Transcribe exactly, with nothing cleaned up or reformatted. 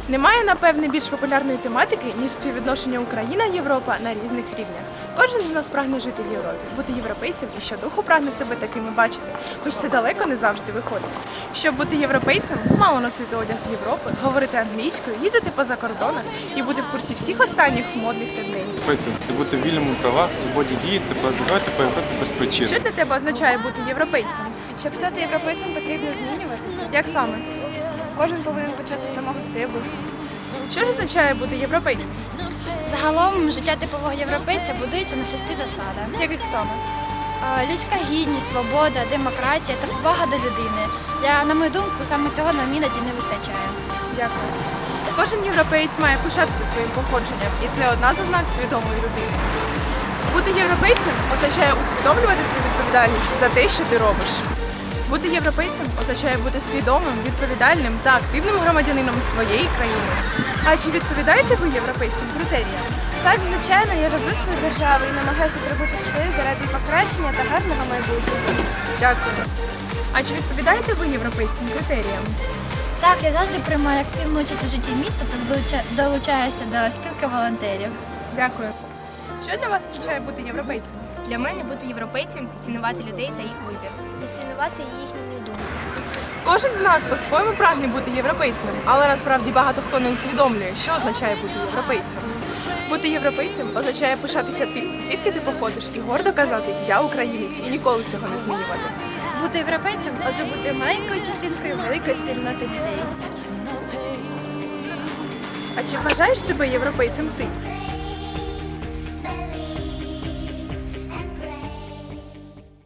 Немає, напевне, більш популярної тематики, ніж співвідношення Україна-Європа на різних рівнях. Кожен з нас прагне жити в Європі, бути європейцем і щодуху прагне себе такими бачити, хоч це далеко не завжди виходить. Щоб бути європейцем, мало носити одяг з Європи, говорити англійською, їздити по закордонах і бути в курсі всіх останніх модних тенденцій. Це бути вільним у правах, свободі дії та подорожувати по Європі без причин. Що для тебе означає бути європейцем? Щоб стати європейцем, потрібно змінюватися. Як саме? Кожен повинен почати з самого себе. Що ж означає бути європейцем? Загалом життя типового європейця будується на шести засадах. Яких саме? А, Людська гідність, свобода, демократія та повага до людини. Я, на мою думку, саме цього нам іноді не вистачає. Дякую. Кожен європеєць має пишатися своїм походженням, і це одна з ознак свідомої людини. Бути європейцем означає усвідомлювати свою відповідальність за те, що ти робиш. Бути європейцем означає бути свідомим, відповідальним та активним громадянином своєї країни. А чи відповідаєте ви європейським критеріям? Так, звичайно, я люблю свою державу і намагаюся зробити все заради покращення та гарного майбутнього. Дякую. А чи відповідаєте ви європейським критеріям? Так, я завжди приймаю активну участь у житті міста та долуча- долучаюся до спілки волонтерів. Дякую. Що для вас означає бути європейцем? Для мене бути європейцем – це цінувати людей та їх вибір. Цінувати їхню думку. Кожен з нас по-своєму прагне бути європейцем, але насправді багато хто не усвідомлює, що означає бути європейцем. Бути європейцем означає пишатися тим, звідки ти походиш, і гордо казати «Я українець» і ніколи цього не змінювати. Бути європейцем – отже бути маленькою частинкою великої спільноти людей. А чи вважаєш себе європейцем ти?